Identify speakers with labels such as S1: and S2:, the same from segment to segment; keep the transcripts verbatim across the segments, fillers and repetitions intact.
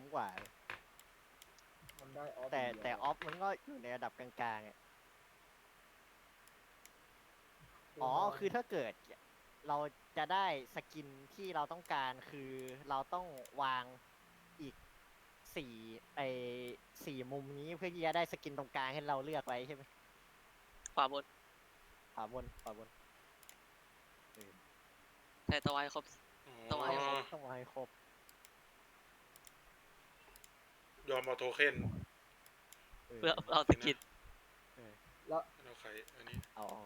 S1: กว่า
S2: มันได้ออฟ
S1: แต่แต่ออฟมันก็อยู่ในระดับกลางๆอ่ะอ๋อคือถ้าเกิดเราจะได้สกินที่เราต้องการคือเราต้องวางอีกสี่ไอสี่มุมนี้เพื่อที่จะได้สกินตรงกลางให้เราเลือกไว้ใช่ไหม
S3: ขวาบน
S1: ขวาบนขวาบน
S3: ใช่ต้องให้ครบ ต้อง
S4: อ๋
S3: ให้คร
S4: อบ
S1: ต้องให้ครบ
S4: ยอมเอาโทเค็น
S3: เพื่อเอาสกิน
S2: แล้ว
S4: เอาไข่อันนี้
S1: เอาเอา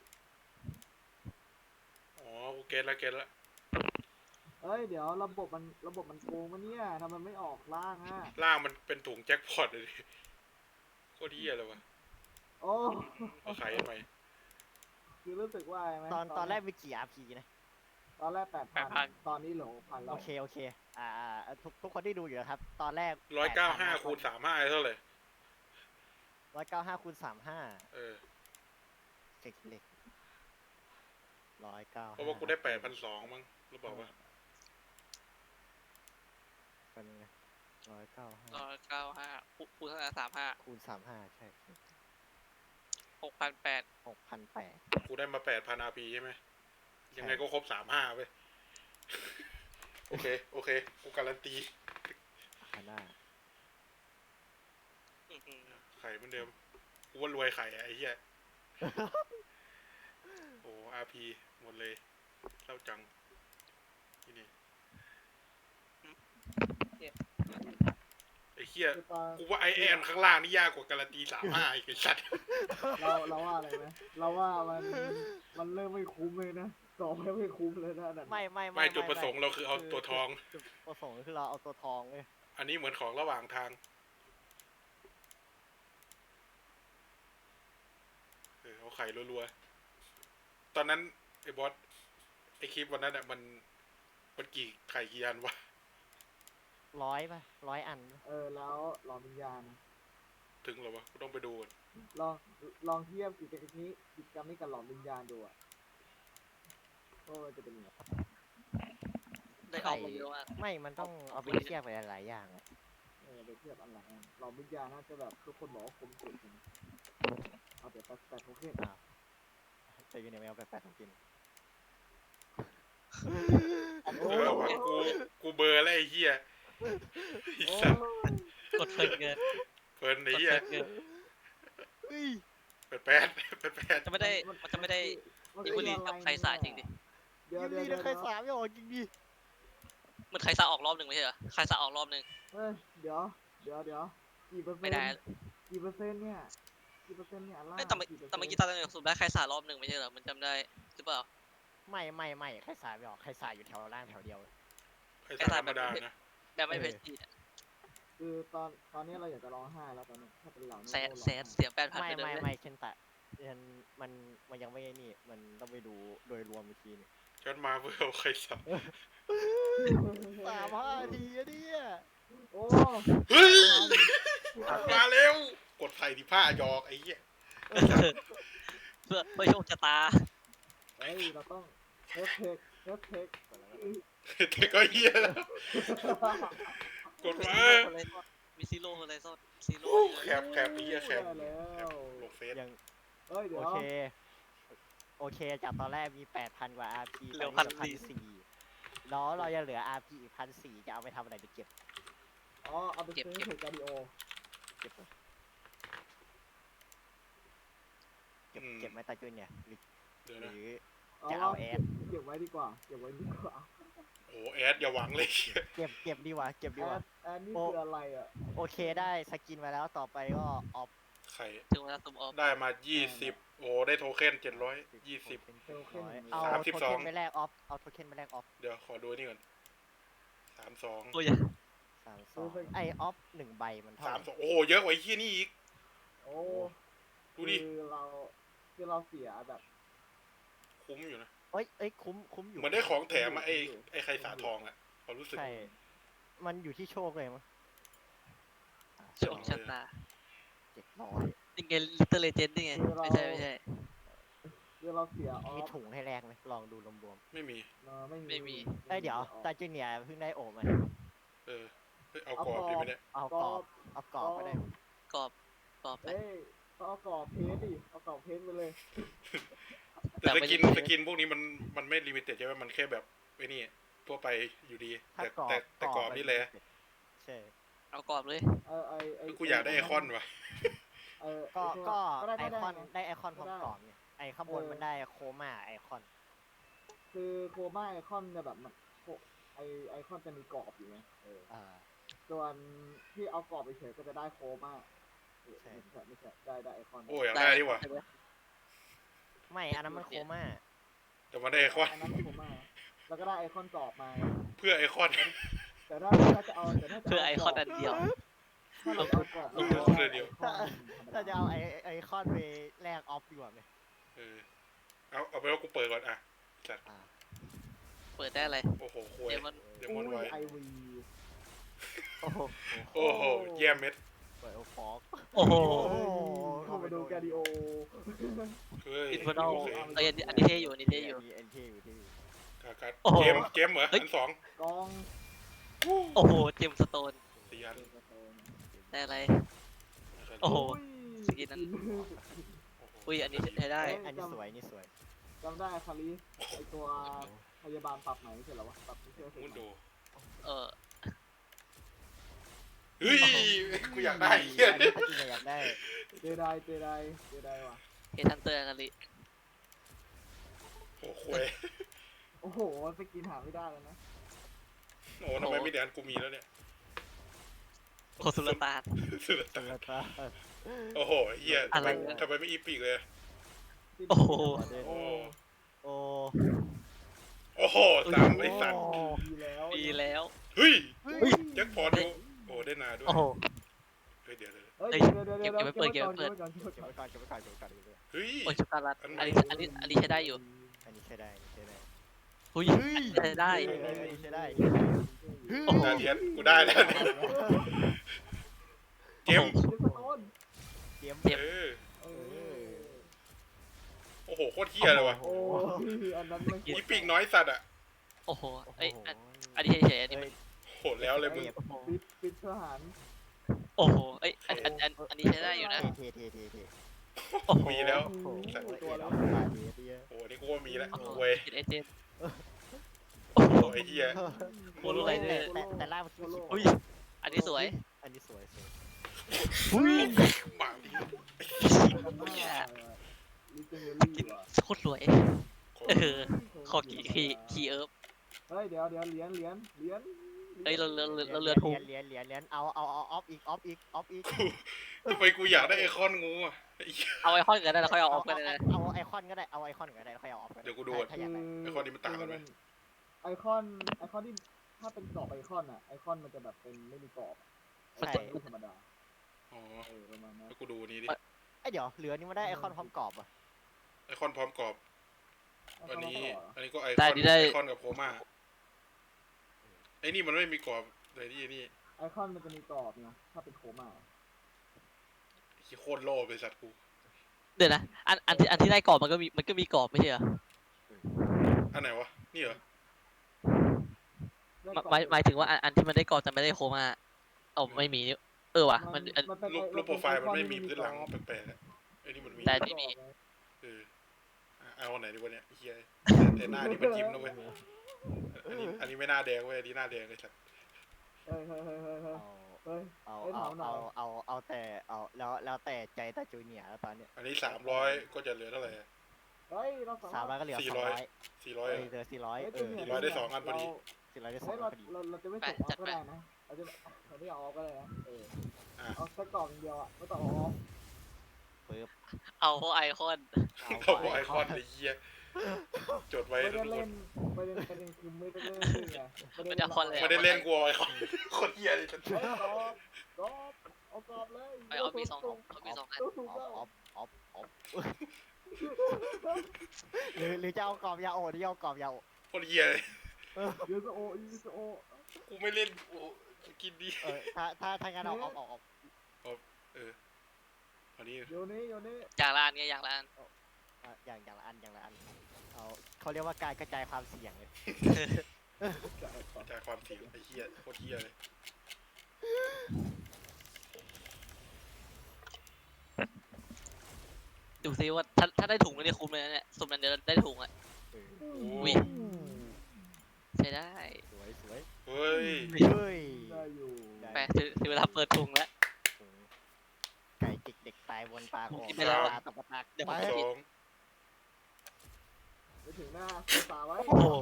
S4: อ๋อกูเก็ตแล้วเก็ตแล้ว
S2: เอ้ยเดี๋ยวระบบมันระบบมันโกงมันเนี่ยทำไมไม่ออกล่างอ่ะ
S4: ล่างมันเป็นถุงแจ็คพอตเลยดิโคตรเหี้ยเลยวะ
S2: โอ้
S4: เอาไข่ทำไม
S2: คือรู้สึกว่าไหม
S1: ตอนตอนแรกมีกี่ อาร์ พี นะ
S2: ตอนแรกแปดพันตอนนี้เหลือพันแล้
S1: โอ
S2: ว
S1: เคโอเคอ่าอ่าทุกทุกคนที่ดูอยู่นะครับ ตอนแรก
S4: ร้อยเก้าห้าคูณสามห้าเท่าไหร่
S1: ร้อยเก้าห้าคูณสามห้า
S4: เออ
S1: เจ็กเล็กร้อยเก้า
S4: เพราะว่ากูได้แปดพันสองมั้งหรือเปล่าวะ
S1: เป็นไงร้อยเก้าห้า
S3: ร้อยเก้าห้าคูณเท่าไหร่สามห้า
S1: คูณสามห้าใช่
S3: หกพันแปด
S1: หกพันแปด
S4: กูได้มาแปดพันอาร์พีใช่ไหมยังไงก็ครบสามห้าเว้ย โอเค โอเค กูการันตี
S1: พันห้า
S4: ไข่เหมือนเดิม กูว่ารวยไข่อะไอ้เหี้ย โอ้อาร์พีหมดเลยเล่าจัง ที่นี่ไอ้เหี้ย
S2: คือตอน
S4: กูว่าไอแอนข้างล่างนี่ยากกว่าการันตีสามห้าอีกไอ้สัตว์
S2: เราเราว่าอะไรไหมเราว่ามันมันเริ่มไม่คุ้มเลยนะต่อไปไม่คุ้มเลยนะนั่น
S1: ไม่ไม่
S4: ไม่จุดประสงค์เราคือเอาตัวทอง
S1: จุดประสงค์คือเราเอาตัวทองเลย
S4: อันนี้เหมือนของระหว่างทาง เออเอาไข่รัวๆ ตอนนั้นไอ้บอสไอ้คลิปวันนั้นอ่ะมันมันกี่ไข่กี่อันวะ
S1: ร้อยป่ะร้อยอัน
S2: เออแล้วลองวิญญาณ
S4: ถึงเหรอวะกูต้องไปดูก่อน
S2: ลองลองเทียบกิจกรรมนี้กิจกรรมนี้กับหลอมวิญญาณดูอ่ะว่ามันจะเป็นยังไง
S3: ได้ออกมาเยอะมาก
S1: ไม่มันต้องเอาไปเทียบกับหลายๆอย่างอะ
S2: เออไปเทียบอันหลังอะหลอมวิญญาณน่าจะแบบทุกคนบอกว่าคุ้มสุดนะเอาเดี๋ยวแต่แต่โอเค
S1: จะอยู่ในแมวแปลกๆของกิน
S4: เออวะกูกูเบลอร์แล้วไอ้เหี้ยไอ้
S2: โอ้
S4: สัตว์
S3: กดเพลินเกิน
S4: เพลินไอ้
S3: กด
S4: เหี้ย
S3: เพลินเกิน
S1: เฮ้ย
S4: แปดแปดแปดแปด
S3: จะไม่ได้มันจะไม่ได้
S2: มัน
S3: อี
S2: คือ
S3: คุลี
S2: อะไร
S3: กับใครสาจริงดิ
S2: เดี๋ยว
S1: ยิม
S2: เดี๋ยว
S1: ดี
S2: เดี๋
S1: นะ
S2: ยว
S1: ใครสามไม่ออกจริงดิ
S3: มันใครสาออกรอบหนึ่งไม่ใช่เหรอใครสาออกรอบหนึ่ง
S2: เฮ้ยเดี๋ยวเดี๋ยวเดี๋ยวกี่เปอร์เซ็
S3: ไม่
S2: นต์
S3: ได้
S2: กี่เปอร์เซ็นต์เนี่ยกี่เปอร์เซ็นต์เนี่ยอันล่าง
S3: ไม่แต่เมื่อ
S2: กี่ปร์
S3: แต่
S2: ซ็นต์
S3: เมื่อกี้ตอนนั้นสุดได้ใครสารอบหนึ่งไม่ใช่เหรอมันจำได้หรือเปล่า
S1: ไม่ไม่ไม่ใครสามไม่ออกใครสามอยู่แถวล่างแถวเดียวเลย
S4: ไอ้สัตว์ธรรมดานะ
S3: แบบไม่เพชรจีน
S2: คือตอนตอนนี้เราอยากจะร้องไห้แล้วตอนนี้ถ้าเป็นเรา
S3: แสนแสนเสียแปดพัน
S1: ไม่
S3: ไปเล
S1: ไม่
S3: ย
S1: ไม่เช่นแต่มันมันมันยังไม่นี่มันต้องไปดูโดยรวมอีกทีนึง
S4: ฉันมาเพื่อเอาไข่สัตว์
S1: สามห้าทีอะเนี่ย
S2: โอ้
S4: เฮ้ย มาเร็ว กดไข่ที่ผ้าหยอกไอ้เหี้ย
S3: เพื่อเพื่อโชคชะตา
S2: เฮ้ยเราต้องเอฟเทคเอฟเทค
S4: แต่ก็เหี้ยแล้วกดมา
S3: มีซีโร่อะไรซ่อนซีโร่
S4: แคบแคบไอ้เหี้ยแคบ
S2: ได้แล้ว
S4: ลงเฟซ
S1: ยัง
S2: เฮ้ยเดี๋ย
S1: โอ
S2: ว
S1: เคโอเคจากตอนแรกมีแปดพันกว่า อาร์ พี
S3: เหลือ
S1: พัน
S3: พันสี่
S1: สี่แล้วเราจะเหลือ อาร์ พี อีกพันสี่จะเอาไปทำอะไรดีเก็บ
S2: อ๋อเอาไปซื้อเทคการดิโอ
S1: เก็บเก็บเก็บไว้ตาจุนเนี่ยหรือ
S4: เดี๋ยว
S1: ห
S4: นะ
S1: รือ
S2: เอา
S1: จะเอาแอด
S2: เก็บไว้ดีกว่าเก็บไว้ดีกว่า
S4: โอ้แอดอย่าหวังเลย
S1: เก็บเก็บดีกว่าเก็บดี
S2: แอก
S1: ว่า
S2: ดแอดนี่
S1: โอ้
S2: คืออะไรอ่ะ
S1: โอเคได้สกินมาแล้วต่อไปก็ออฟ
S4: ไข่
S3: ถึงเวลาตุ่มออฟ
S4: ได้มายี่สิบโอ้ได้โทเค็นเจ็ดร้อยยี่สิบ
S1: เอา
S4: สามสิบ
S1: โท
S4: สอง
S1: เค็นไปแลกออฟเอาโทเค็นไปแลกออฟ
S4: เดี๋ยวขอดูนี่ก่อนสามสอง
S3: โอ้ย
S1: สามสองไอออฟหนึ่งใบมันเท่า
S4: สา
S1: ไห
S4: ม
S1: ร่
S4: สองโอ้เยอะกว่าไอ้เหี้ยนี่อีก
S2: โอ้
S4: ดูดิ
S2: คือเราคือเราเสียแบบ
S4: คุ้มอยู่นะ
S1: เอ้ยเอ้ยคุ้มคุ้มอยู่
S4: เหมือนได้ของแถมมาไอ้ไอ้ไข่สาทองอ่ะความรู้สึก
S1: ใช่มันอยู่ที่โชคเลยมั้ง
S3: โชคชะตา
S1: เจ็ดร้อย
S3: นี่ไงลิตเติ้ลเลเจนด์นี่ไงไม่ใช่ไม่ใช่
S2: คือเราเสียออ
S1: มี
S2: ฟ
S1: ถุงให้แลกไหมลองดูรวม
S4: ไม่มี
S2: เออไม่มี
S3: ไม่มี
S1: ๆเอ้ยเดี๋ยวตาจูเนียร์เพิ่งได้โอมา
S4: เออเฮ้ยเอากรอบดีไหมเนี่ย
S1: เอา
S2: ก
S1: ก
S2: ร
S1: ร
S2: อ
S1: อ
S2: บบ
S1: เอากรอบก็ได้
S3: กรอบกรอบไป
S2: เอ้ยต้องเอากรอบเพชรดิเอากรอบเพชรไปเลย
S4: แต่
S3: แต่
S4: ส
S3: ไม่
S4: กิน
S3: ได้
S4: สกินพวกนี้มันมันไม่ลิมิเต็ดใช่ไหมมันแค่แบบไอ้นี่ทั่วไปอยู่ดี
S1: ถ้า
S4: แต่
S1: กรอบ
S4: แต่แต่กรอบนี่แหละ
S1: ใช่
S3: เอากรอบเลย
S2: เออไอไอ
S4: กูอยากได้ไอคอนว่ะ
S2: เออ
S1: ก็
S2: ไอ้
S1: ก็
S2: ได้
S1: ไอ
S2: ได้
S1: คอน
S2: ไง
S1: ได้ไอคอนพร้อม
S2: ได้
S1: กรอบเนี่ยไอข้างบน
S2: เออ
S1: มันได้โคม่าไอคอน
S2: คือโคม่าไอคอนจะแบบมันโคไอไอคอนจะมีกรอบอยู่ไงเออ
S1: อ่า
S2: ส่วนที่เอากรอบไปเฉยก็จะได้โคม่าเออ
S1: ใช่
S2: ไม่ใช่ไม่ใช่ได้ได้ไอคอน
S4: โอ้ยอยากได้ดีว่ะ
S1: ไม่อันนั้นมันโคม่า
S4: แต่มันได้ไอคอน
S2: อันนั้นโคม่าแล้วก็ได้ไอคอนกรอบมา
S4: เพื่อไอคอน
S2: แต่ถ้าถ้าจะเอาแต่ถ้าจะ
S3: เพื่อไอคอนอันเดียว
S2: ถ้าเราเอากรอบ
S4: เออ
S2: เรา
S4: เพื่อเดียว
S2: ไอคอนธรรมด
S1: ถ้าจะเอาไอไอคอนไปแลกออฟดีกว่าไหม
S4: เออเอาเอาไปว่ากูเปิดก่อนอ่ะจัด
S1: อ่า
S3: เปิดได้อะไร
S4: โอ้โหควย
S3: เดมอน
S4: เดมอนไว้
S2: ไอวี
S1: โอ้โห
S4: โอ้โหเยี่ยมเม็ด
S1: เปิดโอฟอก
S3: โอ้โห
S2: เข้ามาดูแกดิโอ
S4: เฮ้ย
S3: อินฟอร์นอล
S4: โอเค
S3: เอ้ยอันนี้อันนี้เท่อยู่อันนี้เท่อยู่
S1: เอ็นเทอยู่ที่
S4: กากัด
S3: โอ้โห
S4: เกมเกมเหรอ
S3: เฮ้ย
S4: อันสอง
S2: กอง
S3: โอ้โหเจมส์สโตน
S4: สี่อัน
S3: ได้อะไร โอ้โห สกินนั้น
S4: โอ้โห
S3: อุ้ยอันนี้ใช้ได้
S1: อันนี้สวยนี่สวย
S2: จำได้คาริไอตัวพยาบาลปรับไหนไม่ใช่เหรอวะปรับไม่ใช่เสร็จ
S4: มุนโด
S3: เออ
S4: เฮ้ยกูอยากได้เฮีย
S1: อันนี้จริงๆอยากได้
S2: เจไดเจไดเจไดว่ะ
S3: เฮทันเตอร์กันลิ
S4: โอ้โหควย
S2: โอ้โหสกินหาไม่ได้แล้วนะ
S4: โอ้ทำไมไม่เดือนกูมีแล้วเนี่ย
S3: โคสุลตาน
S4: สุด
S1: ตั
S4: ตา
S1: วตา
S4: โอ้โหเฮีย
S3: อะ
S4: ทำ
S3: ไร
S4: ไม
S3: วะ
S4: ทำไมไม่อีปีกเลย
S3: โอ้โห
S2: โอ้
S1: โอ้
S4: โอ้โหสามไอสัตว์
S2: ดีแล้ว
S3: ดีแล้ว
S4: เฮ้ย
S1: เฮ้ย
S4: แจ็คพอตดูโอ้ได้นาด้วย
S3: โอ้โห
S4: เฮ้ยเดี๋ยวเดี๋ยว
S2: เฮ้ย
S3: เฮ้ย
S2: เดี๋ยวเดี๋ยวเดี๋ยว
S3: เก็บไว้เปิดเก็บไว้เปิด
S2: ก่อนเก็บไว้
S1: เก็บ
S2: ก่อน
S1: ไว้ก่อนเก็บไว้ก่อนเก็บไว้ก่อนเก็บไว้ก่อน
S4: เฮ้ย
S3: โอ้ยช็อกโกแลต
S4: อันใหม่
S3: อันนี้อันนี้อันนี้ใช้ได้อยู่
S1: อันนี้ใช้ได้อันนี้ใช้ได้
S3: อุ้ยใช้ได้
S1: เอออันนี้ใช้ได้
S3: โอ้โห
S4: ดาเดียนกูได้แล้วเนี่ยเกม
S2: เดี๋ยวสะท้อน
S1: เตรียม
S3: เตรียม
S4: เออ
S2: เออ
S4: โอ้โหโคตรเฮียเลยว่ะ
S2: โอ้ยอันนั้นไม่
S4: อีปีกน้อยสัตว์อ่ะ
S3: โอ้โห
S1: โอ้โห
S3: เอ้ยอันอันนี้เฉยๆอันนี้มัน
S4: โหดแล้วเลยมึง
S2: ปิดปิดทหาร
S3: โอ้โหเอ้ยอันอันอันอันนี้ใช้ได้อยู่นะ
S1: เทเทเทเท
S3: โอ้โห
S4: มีแล้ว
S1: โอ้โห
S2: ตัวแล้ว
S1: ตาดีดี
S4: โอ้โหนี่กูว่ามีแล้ว
S3: โอ้โห
S4: เว้ย
S3: กินเอเจนต์
S4: โอ้โหไอ้เฮีย
S3: โคโลไรเดอร์
S1: แต่แต่ล่างมันคือ
S3: อุ้ยอันนี้สวย
S1: อันนี้สวยสวย
S4: หมาดิ
S2: กันหน้าลิเจนเดอ
S3: กิน
S2: รี่ว่ะ
S3: โคตรรวย เออ ขอกี่คีคีเอิร์ฟ
S2: เฮ้ยเดี๋ยวเดี๋ยวเหรียญเหรียญเหรียญ
S3: เอ้ยเราเราเราเราเรือถูก
S1: เหรียญเหรียญเหรียญเอาเอาเอาออฟอีกออฟอีกออฟอีก
S4: ทำไมกูอยากได้ไอคอนงูอ่ะไอ้เหี้ย
S3: เอาไอคอนกันได้แล้วค่อยเอาออฟกันได้นะ
S1: เอาไอคอนก็ได้เอาไอคอนก็ได้ค่อยเอาออฟก็ได้
S4: เดี๋ยวกูดู
S1: ถ้าอยากได้
S4: ไอคอนนี้มันต่างกันไหม
S2: ไอคอนไอคอนที่ถ้าเป็นกรอบไอคอนอ่ะไอคอนมันจะแบบเป็นไม่มีกรอบ
S1: ใช่
S2: ไม่ธรรมดา
S4: อ๋อ
S2: เออประมาณนั้น
S4: แล้วกูดูนี้ดิ
S1: ไอยเดี๋ยวเหลือนี่มันได้ไอคอนพร้อมกรอบอ่ะ
S4: ไอคอนพร้อมกรอบอันนี้ อันนี้ก็ไอค
S3: ได้
S4: อน
S3: ดีได้
S4: ไอคอนกับโคม่าไอนี่มันไม่มีกรอบเลยนี่นี่
S2: ไอคอนมันจะมีกรอบนะถ้าเป็นโคม่า
S4: ที่โคตรโล่ไปสัตว์กู
S3: เดี๋ยวนะอันอันที่อันที่ได้กรอบมันก็มีมันก็มีกรอบไม่ใช่เหรอ
S4: อันไหนวะนี่เหรอ
S3: หมายหมายหมายถึงว่าอันอันที่มันได้กรอบแต่ไม่ได้โคม่าเอาไม่มีนี่เออว่ะมันอัน
S2: เป็น
S4: รูปรูปโปรไฟล์มันไม่มีพื้นหลังแปลกๆอะไอนี่มันมี
S3: แต่ นี่มี
S4: เอออ่ะเอาอันไหนดีวะเนี่ยเฮียแต่หน้านี่มันยิ้มนะเว้ยอันนี้อันนี้ไม่หน้าแดงเว้ยอันนี้หน้าแดงเลยสัตว์
S2: เฮ้ยเฮ้ยเฮ้ยเฮ้ยเฮ้ย
S1: เอา
S2: เฮ้ย
S1: เอา
S2: เอ้ย
S1: เอา
S2: ถามหน่
S1: เอา
S2: อย
S1: เอาเอาแต่เอาแล้วแล้วแต่ใจตาจูเนียร์แล้วตอนเนี้ย
S4: อันนี้สามร้อยก็จะเหลือเท่าไหร่อะ
S2: เฮ้ยเราสา
S1: สามร้
S2: มา
S1: อย
S2: รถ
S1: ก็เหลือ
S4: สี่
S1: สอง
S4: ร้อย
S1: ร้อย
S4: สี่ร้อย
S1: เอ้ยเหลือสี่ร้อยเออ
S4: สี่ร้อยได้สองอันพอดี
S1: สี่ร้อยได้สอ
S2: เฮ้
S1: ง
S2: ย
S1: อั
S2: เรา
S1: นพอดี
S2: เราเราจะไม่ส่งออฟก็ได้นะเราจะเราไม่เอาออฟก็ได้นะเออ
S4: อ่ะ
S2: เอาสักกล่องเดียวอ่ะไม่ต้องเอาออฟ
S1: ปึ๊บ
S3: เอาพวกไอคอน
S4: เขาบอกไอคอนไอ้เหี้ยจดไว้
S2: ไม่
S4: ทุ
S2: ได้
S4: กค
S2: เล่
S4: น
S2: นประเด็นประเด็นคือไม่ได้เล่นด้วยไง
S3: ไม่ได้คอนเลย
S4: ไม่ได้เล่นกลัวไอคอนโคนเหี้ยเลย
S2: เฮ้ยกรอบกรอบเอากรอบเลย
S3: ไอเอามีสองเอามีสองอัน
S2: ตัวสูง
S1: อ
S2: แล้ว
S1: อฟออฟออฟหรือหรือจะเอากรอบยาโอหรือจะเอากรอบยาโอ
S4: โคนเหี้ยเลย
S2: ยูสโอยูสโอ
S4: กูไม่เล่นกูกินดี
S1: เออถ้าถ้าถ้างั้นเอาออฟออฟออฟ
S4: เอออันนี้
S2: โยนี่โยนี่
S3: อย่างละอันไงอย่างละอัน
S1: อ่ะอย่างอย่างละอันอย่างละอันเอาเขาเรียกว่าการกระจายความเสี่ยงเลย
S4: จากความเสี่ยงไอ้เหี้ยโคตรเหี้ยเลย
S3: ดูซิว่าถ้าถ้าได้ถุงแล้วเนี่ยคุ้มเลยนะเนี่ยสมนั้นเดี๋ยวได้ถุงอ่ะ
S1: เออ
S4: โอ้
S3: อุ้ย ใช้ได้
S1: สวยสวย
S4: เฮ้ย
S1: เฮ้ย
S2: ได้อยู่
S3: ไปถึงถึงเวลาเปิดถุงแล้ว
S1: ไก่จิกเด็กตายบนปากออก
S3: กินไปแล้ว
S1: ตาตะปะตัก
S3: เดี๋ยว
S1: ไป
S3: ผม
S4: สอง
S2: ไปถึงหน้าตาไว้
S3: โอ้โห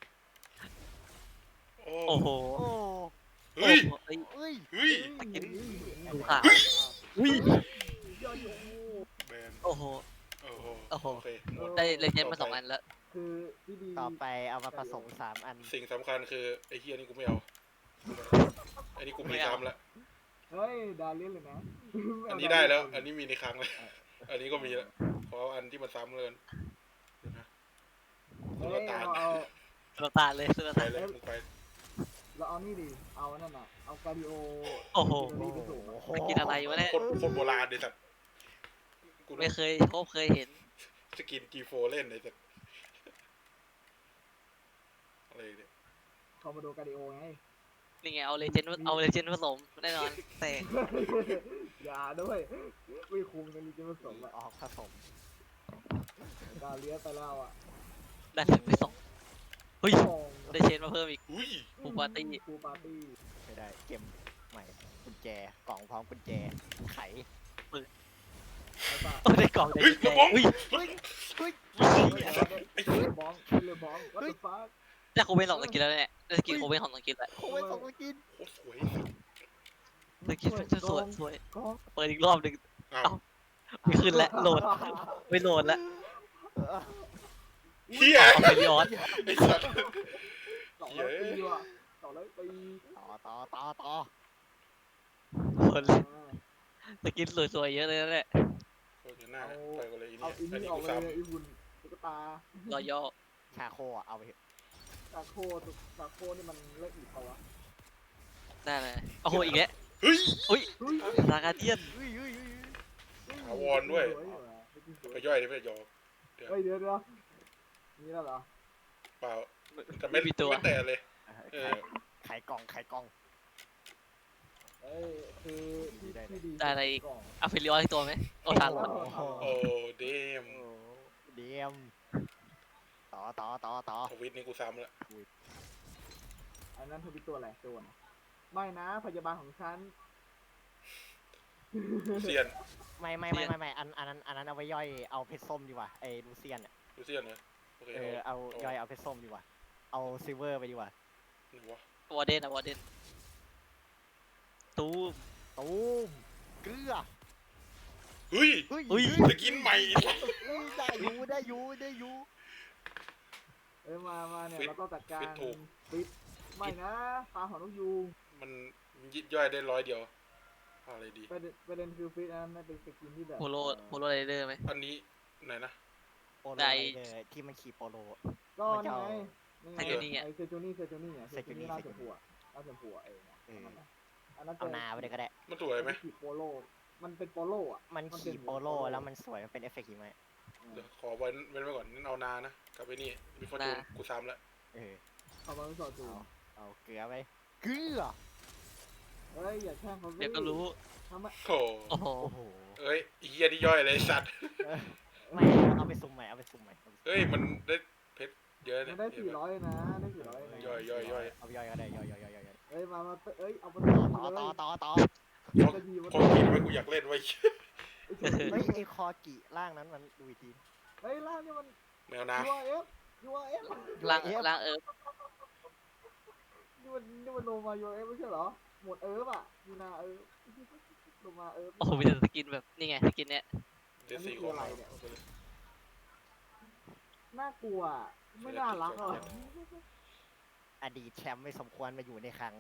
S4: โอ้
S3: โอ้โห
S1: โอ้
S4: เฮ้ย
S3: เฮ้ย
S1: เอ้ย
S4: เฮ้ย
S3: ดูข่าว
S1: อุ้ย
S2: ยอดอยู่
S4: แมน
S3: โอ้โห
S4: โอ้โห
S3: โอ้โห
S4: โอเคหมด
S3: ได้เลเจนด์มาสองอันแล้ว
S2: คือที่ดี
S1: ต่อไปเอามาผสมสามอัน
S4: สิ่งสำคัญคือไอ้เฮียนี่กูไม่เอาไอ้นี่กูมีซ้ำแล้ว
S2: เฮ้ยดาเล่นเลยนะ
S4: อันนี้ได้แล้ว อันนี้มีในครั้งแล้วอันนี้ก็มีแล้วขออันที่มันซ้ำเลยเดี๋ยวนะ
S2: เฮ้
S4: สุล
S2: ย
S4: ต่าน
S2: เอา
S3: สุลต่านเลยสุล
S4: ไป
S3: ต่าน
S4: เลยมึงไป
S2: เราเอานี่ดิเอานั่นน่ะเอาการดิโอ
S3: โอ้โห
S2: นี่ไปส่งอะ
S3: ไปกินอะไรวะเนี่ย
S4: โคตรโคตรโบราณเลยสัตว์กู
S3: ไม่เคยพบเคยเห็น
S4: สกินจีโฟเล่นเลยสัตว์อะไรเนี่ย
S2: คอมโมโดการดิโอไง
S3: นี่ไงเอาเลเจนด์เอาเลเจนด์ผสมแน่นอนแต่
S2: อย่าด้วยไม่คุ้มกันจริงๆผสมอะ
S1: ออกผสม
S2: ดาเลียไปแล้วอ่ะ
S3: ได้ถึงไปสองเฮ้ย
S2: ทอง
S3: ได้เชนมาเพิ่มอีก
S4: อุ้ย
S3: ปูปาร์ตี้
S2: ปูปาร์ตี้
S1: ไม่ได้เกมใหม่กุญแจกล่องพร้อมกุญแจไข
S2: แล้วก็
S3: โอ้ได้กล่องได้
S4: เฮ้ย
S3: กุญ
S4: ก
S3: แจ
S4: ระบอง
S3: อุ้ย
S1: เฮ้ยเฮ้ย
S2: เลยบ้องเลยบ้องวัตถุฟ้า
S3: ได้โคเวนสองสกินแล้วเนี่ยได้สกินโคเวนของสกินแล้ว
S1: โอ้ยสองมากิน
S4: โคตรสวย
S3: สกินสวยสวย
S2: กอง
S3: เปิดอีกรอบหนึ่ง
S4: อ้า
S3: เอ้า ไม่ขึ้นแล้วโหลดไม่โหลดแล้ว
S4: เฮีย
S3: เอาไปย้อน
S4: ไอ้สัตว์
S2: สองร้อยปีว่ะสองร้อยปี
S1: ต่อต่อต่อต่อ
S3: คนเลยสกินสวยๆเยอะเลยนะเนี่ย
S4: โคตรหน้าไปกันเลยอี
S2: เอา
S4: นี่
S2: อี
S4: อัน
S2: นี่
S4: นี้
S2: ออก
S4: กู
S2: เลย
S4: ซ้ำ
S2: อีบุญตุ๊กตาร
S3: อย่อ
S1: ชาโคอ่ะเอาไปเถอะ
S2: ตาโคตุ๊กตาโคนี่มันเลิกอีกเปล่าวะ
S3: ได้เลยโอ้โหอีกแล้ว
S4: เฮ้ย
S3: อุ้ย
S2: เฮ้ย
S3: ลากาเดียน
S1: เฮ้ยเฮ้ยเฮ้ย
S4: ถาวรด้วย ไปย่อยได้ไหมยอ
S2: เฮ้ยเดี๋ยวเดี๋ยวนี่แล้วเหรอ
S4: เปล่าแต่ไม่ไม่แต่เลย เออ
S1: ไขกล่องไขกล่อง
S2: เอ้ยคือที่ที่ดี
S3: ได้อะไรอีก
S2: กล่อง
S3: เอาฟิลิออนอีกตัวไหมโอ้ทัน
S2: โอ้
S3: แล้ว
S2: โห
S4: โอ้เดม
S1: โอ้เดียมต่อต่อต่อต่อ
S4: ทวิตนี้กูซ้ำละ
S2: อันนั้นเธอเป็นตัวอะไรตัวนะไม่นะพยาบาลของฉัน
S4: ลูเซียน
S1: ไม่ไม่ไม่ไม่ไม่อันอันนั้นอันนั้นเอาไว้ย่อยเอาเพชรส้มดีกว่าไอ้ลูเซียนอ่ะ
S4: ลูเซียนเหรอโอเค
S1: เออเอาย่อยเอาเพชรส้มดีกว่าเอาซิลเวอร์ไปดีกว่า
S4: ไหนวะ
S3: วอร์เดนอะวอร์เดนตูม
S1: ตูมเกลือ
S4: เฮ้ย
S1: เฮ้ย
S3: อุ้ย
S4: จะกินใหม่
S1: เฮ้ยได้อยู่ได้อยู่ได้อยู่
S2: เอ้ยมามาเนี่ยเราต้องจัดการปิดไม่นะปลาหอนกยูง
S4: มันยิบย่อยได้ร้อยเดียวเอาอะไรดี
S2: ประเด็นประเด็นคือฟิตอันนั้นมันเป็นสกินที่แบบ
S3: โฮโลโฮโลไรเดอร์ไหม
S4: อันนี้ไหนนะ
S1: โปโล
S3: ได้
S1: เลยที่มันขี่โปโล
S2: ก็
S1: มันจะ
S2: นี่
S1: เอา
S2: ไงนี่ไง
S3: เซจูนี่อะ
S2: ไอเซจูนี่เซจูนี่อ่ะเซจูนี่
S1: เซ
S2: รา
S1: จู
S2: ช
S1: นี่
S2: ผัวราชผัวเองอะ
S1: เออ
S2: อันนั้น
S1: เอานาไปเลยก็ได้
S4: มันสวยไหม
S2: ขี่โปโลมันเป็นโปโลอ่ะ
S1: มัน
S2: มันเป็น
S1: ขี่โปโลแล้วมันสวยมันเป็นเอฟเฟกต์หิมะ
S4: เดี๋ยวขอไว้เว้นไว้ก่อนนั่นเอานานะกับไอ้นี่มีฟอร์จูนกูซ้ำละ
S1: เออ
S2: เอามาไม่สอดจู
S1: เอาเอาเกลือไปเกลือ
S2: เฮ้ยอย่าแช่งเขาสิ
S3: เดี๋ยวก็รู้
S2: ทำไม
S4: โอ้
S3: โอ้โห
S1: โอ้โห
S4: เอ้ยไอ้เฮียที่ย่อยเลยไอ้สัตว์
S1: เออไม่เอาไปซุ่มใหม่เอาไปซุ่มใหม่เอาไปซุ่ม
S4: เฮ้ยมันได้เพชรเยอะ
S2: มั
S4: เนี่ย
S2: นได้
S4: เห็น
S2: สี่
S4: ปะ
S2: ร้อยนะได้สี่ร้อยนะ
S4: ย่อยย่อยย่อย
S1: เอาไปย่อยก็ได้ย่อยย่อยย่อยย่อยย่อย
S2: เฮ้ยมามาเอ้ยเอาไป
S1: ต่อต่อต่อต่อ
S4: คนคนกินไว้กูอยากเล่นไว้
S1: เฮ้ยไอคอกิร่างนั้นมันดูอีกที
S2: เฮ้ยล่างนี่มัน
S4: แมวน้
S2: ยูอาร์เอฟยูอาร์เอฟ
S3: ล่างล่างเอิร์ฟ
S2: นี่มันนี่มันโลมายูอาร์เอฟไม่ใช่เหรอหมดเอิร์ฟอ่ะยูนาเอิร์ฟโลมาเอิร์ฟ
S3: โอ้โหมีแต่สกินแบบนี่ไงสกินเนี้ย
S4: ำเดซี่ของเรา
S2: น่ากลัวอะไม่น่ารักหรอก
S1: อดีตแชมป์ไม่สมควรมาอยู่ในคลัง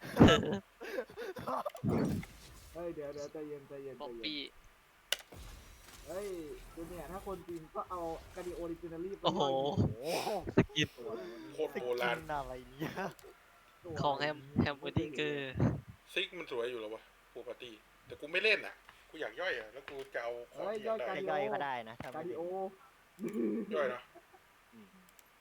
S2: เฮ้ยเดี๋ยวเดี๋ยวใจเย็นใจเย็น
S3: ป๊อป
S2: ใจเย็น
S3: ปี้
S2: เฮ้ยดูเนี่ยถ้าคนจีนก็เอากาดิโอริจินาลี
S3: โอ้โห
S1: โอ้โห
S3: สกิน
S4: โคตรโบราณ
S1: สกินอะไรเนี่ย
S3: ของแฮมแฮมเบอร์ดิ้งเกอร์
S4: ซิกมันสวยอยู่เหรอวะปูปาร์ตี้แต่กูไม่เล่นอ่ะกูอยากย่อยอ่ะแล้วกูจะเอาของที่อยากได้
S1: จะย่อยก็ได้นะถ้าไม่
S2: กาดิ
S1: ได้
S2: โอ
S4: ย่อยนะ
S1: อืม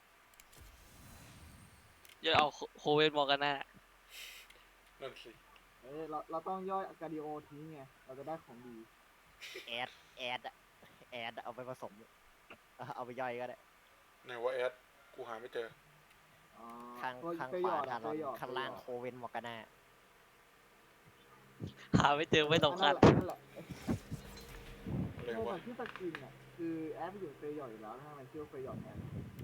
S3: เยอะเอาโคเวนมอร์กาน่า
S4: นั่นสิ
S2: เอ้ยเราเราต้องย่อยกาดิโอทิ้งไงเราจะได้ของดี
S1: แอดแอดอะแแอดเอาไปผสมเอาเอาไปย่อยก็ได้
S4: ไหนว่าแอดกูหาไม่เจอ
S2: อ๋อ
S1: ข้าง
S2: ตัว
S1: ข้าง
S2: ตัว
S1: ข
S2: หยว
S1: า
S2: อด
S1: ทา
S2: อะ
S1: ร
S2: ตั
S1: อ
S2: วน หยอด
S1: ข้างล่าง
S2: ตัวหยอด
S1: โคเวนมอร์กาน่า
S3: หาไม่เจอไม่สำคัญ
S2: นั่นแหละ
S4: อะไร
S2: นั่นแหละ
S4: วะ
S2: ในที่สกินอ่ะคือแอดไปอยู่เฟยหยอดอยู่แล้วถ้ามันชื่อว่าเฟยหยอดแอด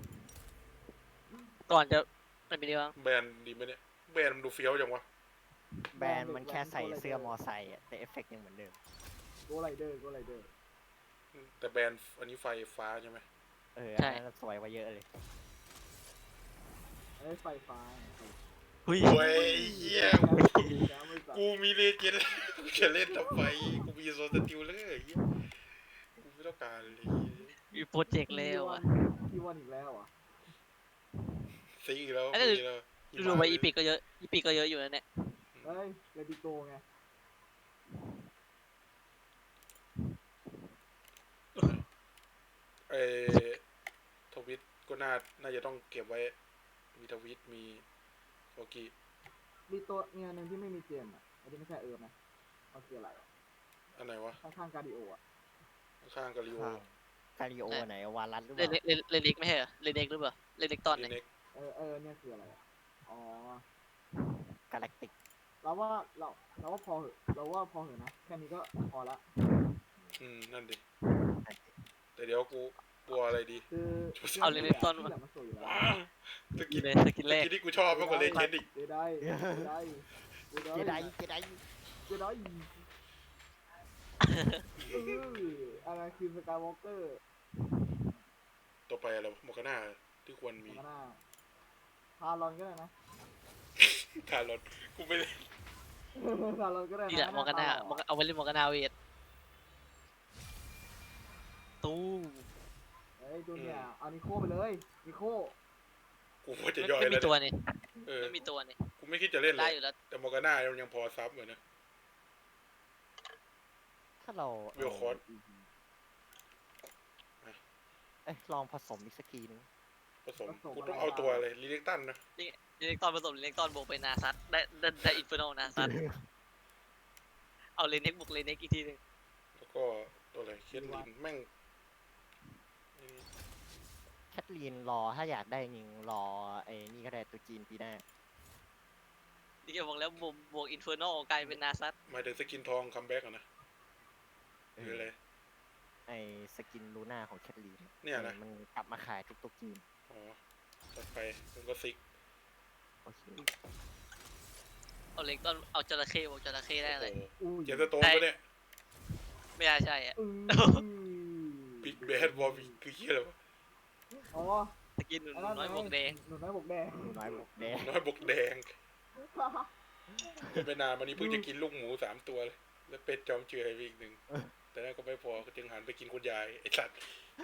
S3: ก่อนจะไม่มีดีบ้าง
S4: แบรนด์ดีไหมเนี่ยแบรนด์มันดูเฟี้ยวจังวะ
S1: แบรนด์มันแค่ใส่เสื้อมอไซค์อะแต่เอฟเฟกต์ยังเหมือนเดิม
S2: โกไรเดอร์โกไรเดอร์
S4: แต่แบรนด์อันนี้ไฟฟ้าใช่ไหม
S1: เอออันนั้นสวยกว่าเยอะเลย
S2: ไอ้ไฟฟ้า
S3: เฮ้ย
S4: โอ้ยเหี้ย
S2: แล้วไม่สั่
S4: กูมีเลเจนด์กูจะเล่นทำไมกูมีโซนสติลเลยเหี้ยกูไม่ต้องการเลย
S3: มีโปรเจกต์แล้วอ่ะ
S2: ที่วันอีกแล้วอ่ะ
S4: ซิกอีกแล้ว
S3: อันนั้น
S4: มีแล้ว
S3: ดูไปอีพิกก็เยอะอีพิกก็เยอะอยู่นะเนี่ย
S2: เฮ้ยเลดิโกไง
S4: เออทวิตก็น่าน่าจะต้องเก็บไว้ มีทวิตมีโฟกี
S2: มีตัวมีอันหนึ่งที่ไม่มีเจมอ่ะอันนี้ไม่ใช่เอิร์มนะมันคืออะไรอะ
S4: อันไหนวะ
S2: ข้างๆการดิโออ่ะ
S4: ข้างๆกาลิโอ
S1: ข้าง คาริโอไหนวารัสหรือเป
S3: เลน
S1: ล่า
S3: เลนเลนเล็กไม่ใช่เหรอเลนเล็กหรือเปล่าเลนเล็กตอนไหน
S4: เน็ก
S2: เออเออเนี่ยคืออะไรอะอ๋อ
S1: กาแล็กติก
S2: เราว่าเราเราว่าพอเหอะเราว่าพอเหอะนะแค่นี้ก็พอละ
S4: อืมนั่นดิแต่เดี๋ยวกูกลัวอะไรดี
S2: คือ
S3: เอาเลนเล็กตอน
S2: ที่แหละมันสวยอยู่แล้ว
S4: ว้าวสกิน
S3: เลยสกินแรก
S4: สกินที่กูชอบมากกว่าเลเจนด์อีก
S2: เจไดเจไดเจได
S1: เจไดเจได
S2: เจไดเอออะไรคือสกายวอล์กเกอร์
S4: ต่อไปอะไรวะโมกาน่าที่ควรมี
S2: มันก็น่าพารอนก็ได้นะ
S4: ทารอนกูไม่เล่น
S2: พารอนก็ได้
S3: นี่แหละมอร์กาน่ามอร์กาเอาไว้เล่นมอร์กาน่าเวทตู้
S2: เฮ้ยตัวเนี่ยเอานิโคไปเลยนิโค
S4: กูว่าจะ
S3: ไม่
S4: ย่อย
S3: ไม่มี
S4: แล้ว
S3: ตัว
S4: เนี่ย
S3: นี่
S4: เออ
S3: ไม่มีตัวนี่
S4: กูไม่คิดจะเล่นเล
S3: ได้
S4: ย
S3: อยู่แล้ว
S4: แต่โมกาน่ายังยังพอซับเหมือนนะ
S1: ถ้าเรา
S4: วิวคอร์ส
S1: เอ้ยลองผสมอีกสักทีนึง
S4: ผสมกูต้องเอาตัวเลยลีเล็กตันนะ
S3: เลนเล็กตอนผสมเลนเล็กตอนบวกไปนาซัตได้ได้ได้อินฟิโนนาซัตเอาเลนเน็กบวกเลนเน็กอีกทีหนึง
S4: แล้วก็ตัวอะไรเคสลินแม่งนี่
S1: แคทลีนรอถ้าอยากได้จริงรอไอ้นี่ก็ได้ตัวจีนปีหน้า
S3: นี่แกบอกแล้วบวกบวกอินฟิโนกลายเป็นนาซัต
S4: หมายถึงสกินทองคัมแบ็กอะนะ
S1: เอ
S4: หรือ
S1: อ
S4: อะไร
S1: ไอ้สกินลูน่าของแคทลีน
S4: เนี่ยนะ
S1: มันกลับมาขายทุกตัวจีน
S4: อ๋อจัดไปมันก็ซิก
S1: โอเค
S3: เอาเล็กตอนเอาจระเข้บวกจระเข้ได้
S4: โอ้
S3: เลย
S4: โห
S2: อุ้ย
S4: เจสโตนปะเนี่ย
S3: ไม่ใช่ใช่อะ
S2: อือ
S4: บิ๊กแบดวอลวิคือเฮียอะไรวะ
S2: อ๋อ
S3: สกินหนูน้อยบวกแดง
S2: หนูน้อยบวกแดง
S1: หนูน้อยบอกแดง
S4: น้อยบกแดงไม่นานมานี้เพิ่งจะกินลูกหมูสามตัวเลย แล้วเป็ดจอมเจือยไปอีกหนึ่งแต่นั่นก็ไม่พอก็จึงหันไปกินคุณยายไอ้สัตว์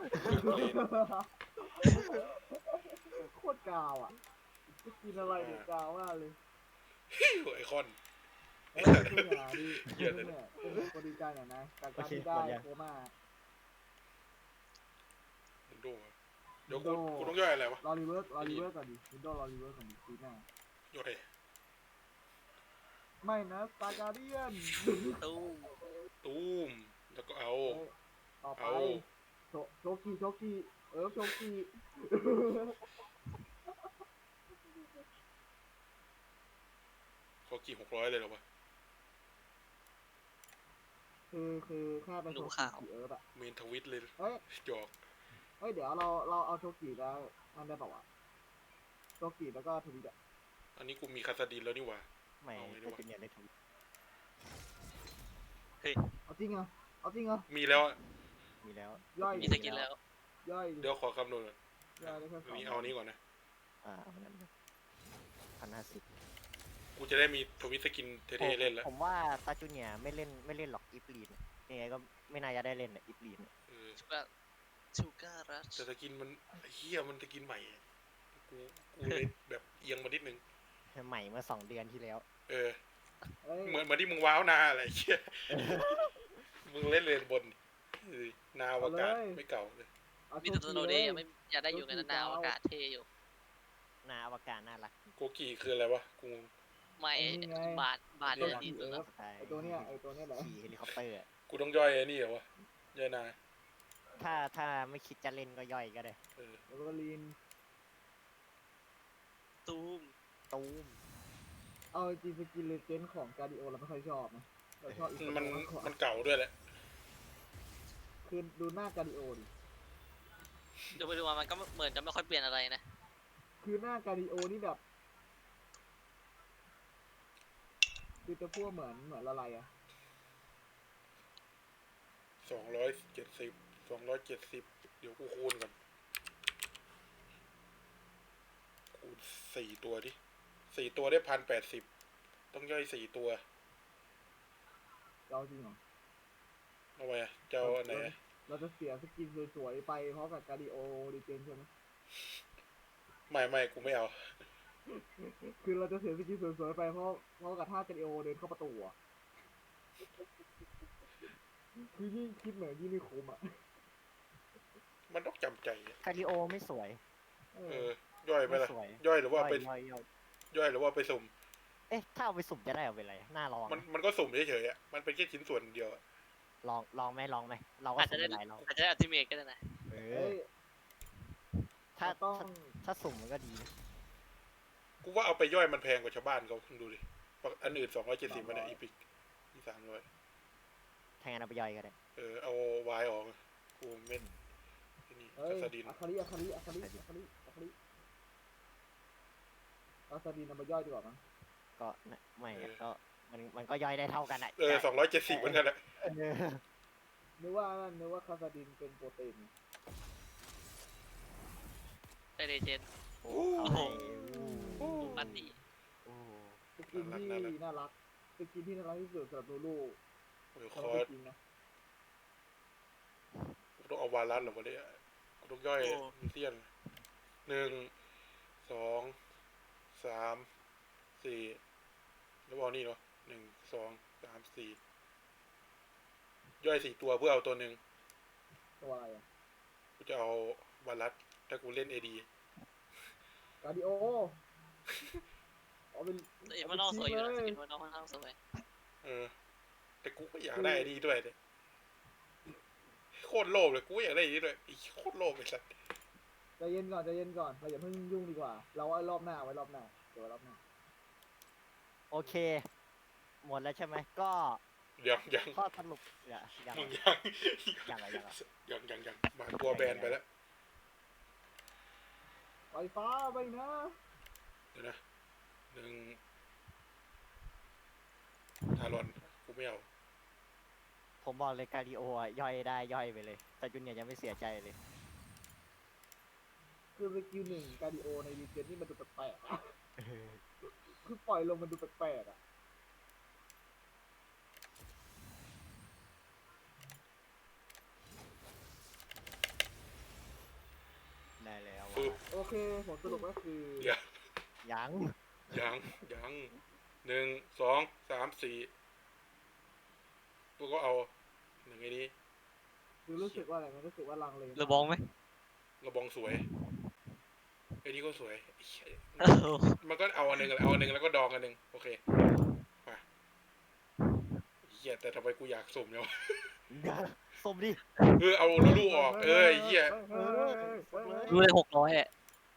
S2: โคตรกาวอ่ะจะกินอะไรเนี่ยกาวมากเลย
S4: ไอคอน
S2: เอ้ยตัวเนี่ยดีตัวเนี่ยเป็นคนดีใจหน่อยนะการการที่ได้โคม่า
S4: มึงดูอะเดี๋ยวกูกูต้องย่อยอะไรวะ
S2: รอรีเวิร์สรอรีเวิร์สก่อนดิวินโดว์รอรีเวิร์สก่อนดิปีหน้า
S4: ย่อย
S2: ไม่นะสตาร์การเดียน
S3: ตู้
S4: ตูมแล้วก็เอา
S2: ต่อไป
S4: เอา
S2: โชโชกีโชกีเออโชกี
S4: เขากี่หกร้อยเลยเหรอวะ
S2: คือคือแค่เป็นโชกีเออแบบ
S4: เมนทวิตเลย
S2: เฮ้ย
S4: หยอก
S2: เฮ้ยเดี๋ยวเราเราเอาโชกีแล้วนั่นได้ป่าวะโชกีแล้วก็ทวิตอะ
S4: อันนี้กูมีคาสดินแล้วนี่หว่า
S1: ไม่
S4: เอาไงดี
S1: ตัว
S4: วะ
S1: จูเนียร์ได้ถูก
S2: เอาจริงเหรอเอาจริงเหรอ
S4: มีแล้วอะ
S1: มีแล้ว
S2: ย่อย
S3: มีสกินแล้ว
S2: ย่อย
S4: เดี๋ยวขอคำนวณก่อน
S2: ย่อยได้แค่ส
S4: อั
S2: อน ง
S4: นี้เอาอันนี้ก่อนนะ
S1: อ่าเอานั้นพันห้าสิบ
S4: กูจะได้มีทวิตสกินเท่ๆเล่นแล้ว
S1: ผมว่าตาจูเนียร์ไม่เล่นไม่เล่นหรอกอีฟลีนยังไงก็ไม่น่าจะได้เล่นอ่ะอีฟลีน
S4: เออ
S3: ชูการชูการรัช
S4: แต่สกินมันเฮียมันสกินใหม่อะกูกูเลยแบบเอียงมานิดนึง
S1: ใหม่เมื่อสองเดือนที่แล้ว
S4: เออ
S2: เฮ้ย
S4: เหมือนเหมือนที่มึงว้าวนาอะไรเชี่ย มึงเล่นเลนบนเออนาวอากาศไม่เก่าเลย
S2: เอา
S3: มี
S2: โช
S3: แต่ตัว
S2: กี
S3: โน
S2: เล
S3: เด
S2: ย
S3: ย์ไม่อยากได้อยู่กันนานๆอากาศเท่อยู่
S1: นาอวกาศน่ารัก
S4: โกกีคืออะไรวะ กูงง
S3: ไม่บาทบาท
S2: โช
S3: เนี่ย
S2: กี
S3: ดี
S2: เอ
S3: สุด
S2: อ
S3: แล้ว
S1: ใช่
S2: ไอตัวเนี้ยไอตัวเนี้ยแหละ
S1: ขี่เฮลิคอปเตอร์อะ
S4: กูต้องย่อยไอ้นี่เหรอวะย่อยนา
S1: ถ้าถ้าไม่คิดจะเล่นก็ย่อยก็ได้
S4: เออ
S2: แล้วก็ลีน
S3: ตูม
S1: ตูม
S2: เอาจริงสกินเลเจนด์ของการดิโอเราไม่ค่อยชอบนะเราชอบอีก
S4: มัน
S2: มากกว่า
S4: มันเก่าด้วยแหละ
S2: คือดูหน้าการดิโอดิ
S3: ดูไปดูมามันก็เหมือนจะไม่ค่อยเปลี่ยนอะไรนะ
S2: คือหน้าการดิโอนี่แบบคือจะพูดเหมือนเหมือนอะไรอะ
S4: สองร้อยเจ็ดสิบสองร้อยเจ็ดสิบเดี๋ยวกูคูณก่อนคูณสี่ตัวดิสี่ตัวได้พันแปดสิบต้องย่อยสี่ตัว
S2: เราจริงเหรอ
S4: เอาไว้อะจะเอาอันไหนอะ
S2: เราจะเสียสกินสวยๆไปเพราะกับการดิโอดีเจนใช่ไหม
S4: ไม่ไม่กูไม่เอา
S2: คือเราจะเสียสกินสวยๆไปเพราะเพราะกับท่าการดิโอเดินเข้าประตูอะคือยิ่งคิดเหมือนยิ่งไม่คุ้มอ่ะ
S4: มันต้องจำใจอะ
S1: คาริโอไม่สวย
S2: เอ
S4: เอ
S2: อ
S4: อ ย่อยไป
S1: ไม่
S4: ละ
S1: สวย
S4: ย่อยหรือว่าไป
S1: ย่อยย่อย
S4: ย่อยหรือว่าไปสุ่ม
S1: เอ๊ะถ้าเอาไปสุ่มจะได้เอาไปอะไรน่าลอง
S4: มัน
S1: นะ
S4: มันก็สุ่มเฉยๆอ่ะมันเป็นแค่ชิ้นส่วนเดียวอะ
S1: ลองลองไหมลองไหมเราก็
S3: อาจจะ
S1: สุ่ม
S3: ได้
S1: หลายรอบ
S3: อาจจะได้อัลติเมทก็ได้นะ
S1: เอ
S2: เอ้
S1: อย ถ้า
S2: ต้อง
S1: ถ้าถ้าสุ่มมันก็ดีนะ
S4: กูว่าเอาไปย่อยมันแพงกว่าชาวบ้านเขาดูดิอันอื่นสองร้อยเจ็ดสิบมันอะอีพิกอีสามร้อย
S1: ถ้างั้นเอาไปย่อยก็ได้
S4: เออเอาวายออกกูเม็ดไอ้นี่
S2: เอ้ย
S4: คาซาดิน
S2: อาคาริอาคาริอาคาริอาคาริอาคาริอาคารินเอามาย่อยดีกว่ามั้ง
S1: ก็นะไม่อะก็มันมันก็ย่อยได้เท่ากันอะ
S4: เออสองร้อยเจ็ดสิบเหมือนกันแหละ
S1: เออ
S2: นึกว่านั่นนึกว่าคาซาดินเป็นโปรตีน
S3: ได้เลเจนด์
S1: โอ้เอาให้
S3: โอ้ปันดี
S1: โอ้
S2: สกินที่น่ารักสกินที่น่ารักที่สุดสำหรับลูลู
S4: โอ้ยค
S2: สำหรับ
S4: อร์ส
S2: จริงนะ
S4: กูต้องเอาวาลัสเหรอวะเนี่ยกูต้องย่อยมิเซียนหนึ่งสองสามสี่แล้วเอานี่เนาะหนึ่งสองสามสี่ย่อยสี่ตัวเพื่อเอาตัวหนึ่ง
S2: ตัวอะไรอ่ะ
S4: กูจะเอาวาลัสถ้ากูเล่นเอดี
S2: การดิโอเอาเป็น
S3: เอ็มมันนอกสวยอยู่นะสกินมันนอกค่อนข้างสวย
S4: เออ แต่กูก็อยากได้ไอ้นี่ด้วยเนี่ยโคตรโลภเลยกูก็อยากได้ไอ้นี่ด้วยไอ้โคตรโลภไอ้สัส
S2: ใจเย็นก่อนใจเย็นก่อนเราอย่าเพิ่งยุ่งดีกว่า เราไว้รอบหน้าไว้รอบหน้าเดี๋ยวไว้รอบหน้า
S1: โอเค หมดแล้วใช่ไหมก็
S4: ยังยัง
S1: ข้อสรุปอย่ายัง
S4: มึงยัง
S1: ยังอะไรยังอะ
S4: ยังยังยังมาตัวแบนไปแล้ว
S2: ไฟฟ้าไปนะ
S4: เดี๋ยวนะหนึ่งทารอนกูไม่เอา
S1: ผมบอกเลยการดิโออะย่อยได้ย่อยไปเลย แต่จุนเนี่ยยังไม่เสียใจเลย
S2: คือสกิลหนึ่งการดิโอในดีเจนนี่มันดูแปลกๆอะคือปล่อยลงมันดูแปลกๆอ่ะ
S1: ได้แล้ว
S4: ปึ๊บ
S2: โอเคผมสรุปก็คือ
S4: เดี๋ยว
S1: ยัง
S4: ยังยังหนึ่งสองสามสี่กูก็เอาหนึ่งไอ้นี้
S2: คือรู้สึกว่าอะไรมันรู้สึกว่าลังเล
S3: เรือบองไหม
S4: กระบองสวยไอ้นี่ก็สวยไอ้เหี้ย
S3: เออ
S4: มันก็เอาอันหนึ่งเอาอันหนึ่งแล้วก็ดองอันหนึ่งโอเคมาเหี้ยแต่ทำไมกูอยากสุ่มเนี่ยวะ
S1: สมดิ
S4: เออเอาลูลูออกเออไอ้เหี้ย
S2: เฮ้ยเฮ้ยเฮ้ยเฮ้ยเฮ้ย
S3: รู้เลยหกร้อยอ่ะ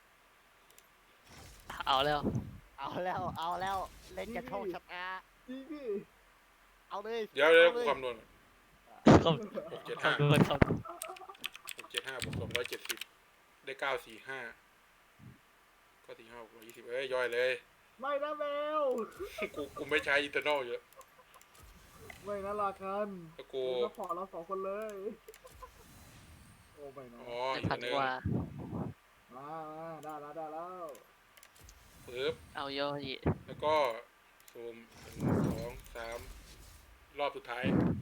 S3: เอาแล้ว
S1: เอาแล้วเอาแล้วเล่นกระโชกชัดอา
S2: จริงดิ
S1: เอาเลย
S4: เดี๋ยวเดี๋ยว
S1: อา
S4: กู
S1: ล
S4: คำนวณ
S3: เขา
S4: หกเจ็ดห้า
S3: เขาดูเขาดู
S4: หกเจ็ดห้าบวกสองร้อยเจ็ดสิบได้เก้าสี่ห้าก็สี่ห้าบวกร้อยยี่สิบเอ้ยย่อยเลย
S2: ไม่นะแมว
S4: กูกูไม่ใช้อินเทอร์นอลเยอะ
S2: ไม่นะลากัน
S4: แล้วกู
S2: กูจะพอเราสองคนเลย โอ้ไม่นะ
S4: อ๋อ
S3: เป็น
S4: อีก
S3: พั
S4: อั
S3: น
S4: นหนึง
S3: กว่า
S2: มามาได้แล้วได้แล้ว
S4: ปึ๊บ
S3: เอาย่อย
S4: แล้วก็ซูมหนึ่งสองสามรอบสุดท้าย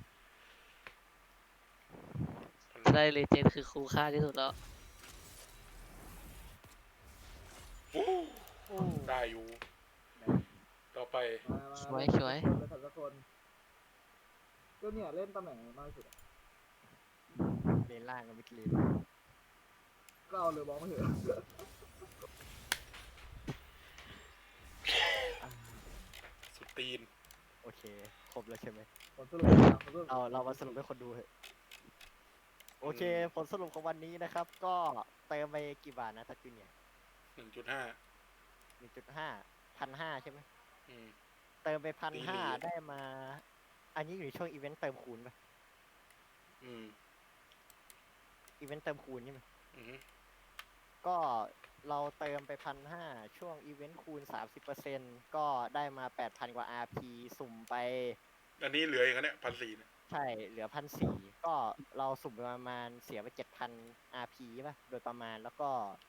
S3: จะได้เลเจนด์คือคุ้มค่าที่สุดแล้ว
S4: ฟู้
S1: โอ้
S4: ได้อยู่ ต่อไป
S2: มามา
S3: สวยสวย
S2: เล่นสักคนก็เนี่ยเล่นตำแหน่งไหนมากที่สุดอะ
S1: เลนล่างกับมิดเลน
S2: ก็เอาเลยบอกมาเถอะ
S4: สุดตีน
S1: โอเค ครบแล้วใช่ไหม
S2: ผลสรุปนะผลสรุป
S1: เราเรามาสรุปให้คนดูเถอะโอโอเค ผลสรุปของวันนี้นะครับ ก็เติมไปกี่บาทนะทักจูเนี่ย
S4: หนึ่งจุดห้า
S1: หนึ่งจุดห้าพันห้าใช่ไหม
S4: อืม
S1: เติมไปพัน
S4: ตี
S1: ห้า
S4: หลี
S1: ได้มา อันนี้อยู่ในช่วงอีเวนต์เติมคูณปะ
S4: อืม
S1: อีเวนต์เติมคูณใช่ไหม
S4: อืม
S1: ก็เราเติมไปพันห้าช่วงอีเวนต์คูณสามสิบเปอร์เซ็นต์ก็ได้มาแปดพันกว่า อาร์ พี สุ่มไป
S4: อันนี้เหลืออย่างนั้นเนี่ยพันสี่เนี่ย
S1: ใช่เหลือพันสี่ก็เราสุ่มไปประมาณเสียไปเจ็ดพัน อาร์ พี ป่ะ โดยประมาณแล้วก็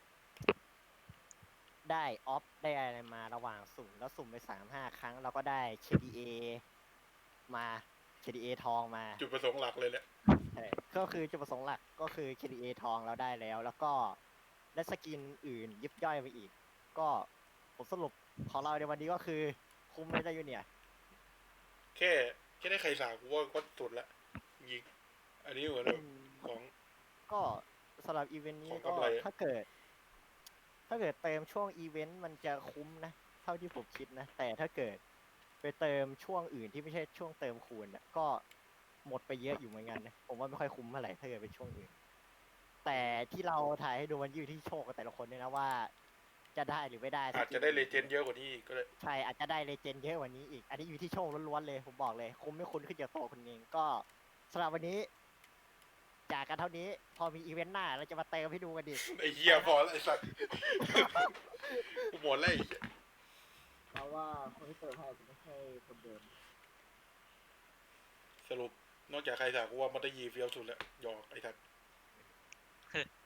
S1: ได้ออฟได้อะไรมาระหว่างสุ่มแล้วสุ่มไปสามห้าครั้งเราก็ได้ เค ดี เอ มา เค ดี เอ ทองมา
S4: จุดประสงค์หลักเลยแหละ
S1: ใช่ก็คือจุดประสงค์หลักก็คือ เค ดี เอ ทองเราได้แล้ว แล้วก็ได้สกินอื่นยิบย่อยไปอีก ก็ผลสรุปของเราในวันนี้ก็คือคุ้มไหมได้อยู่เนี่ย
S4: แค่แค่ได้ไข่สากูว่าก็สุดละยิงอันนี้เหมือนแบบของ
S1: ก็สำหรับอีเวนต์นี้
S4: ของ
S1: ก็
S4: กำไร
S1: ถ้าเกิด ถ้าเกิดเติมช่วงอีเวนต์มันจะคุ้มนะ เท่าที่ผมคิดนะ แต่ถ้าเกิดไปเติมช่วงอื่นที่ไม่ใช่ช่วงเติมคูณน่ะก็หมดไปเยอะอยู่เหมือนกันนะผมว่าไม่ค่อยคุ้มเท่าไหร่ถ้าเกิดเป็นช่วงอื่น แต่ที่เราถ่ายให้ดูมันอยู่ที่โชคกับแต่ละคนด้วยนะว่า จะได้หรือไม่ได้
S4: อาจจะได้เลเจนด์เยอะกว่านี้อีกก็เลย
S1: ใช่อาจจะได้เลเจนด์เยอะกว่านี้อีก อันนี้อยู่ที่โชคล้วนๆเลยผมบอกเลย คุ้มไม่คุ้มขึ้นอยู่กับตัวคุณเองก็สำหรับวันนี้ จากกันเท่านี้พอมีอีเวนต์หน้าเราจะมาเติมให้ดูกันดิ
S4: ไอ้เหี้ยพอแล้วไอ้สัตว์ กูหมดแล้วไอ้เหี้ย
S2: เพราะว่าคนที่เติมให้อาจจะไม่ใช่คนเดิม
S4: สรุปนอกจากไข่สากูว่ามันได้ยีเฟี้ยวสุดแล้วหยอกไอ้สัตว์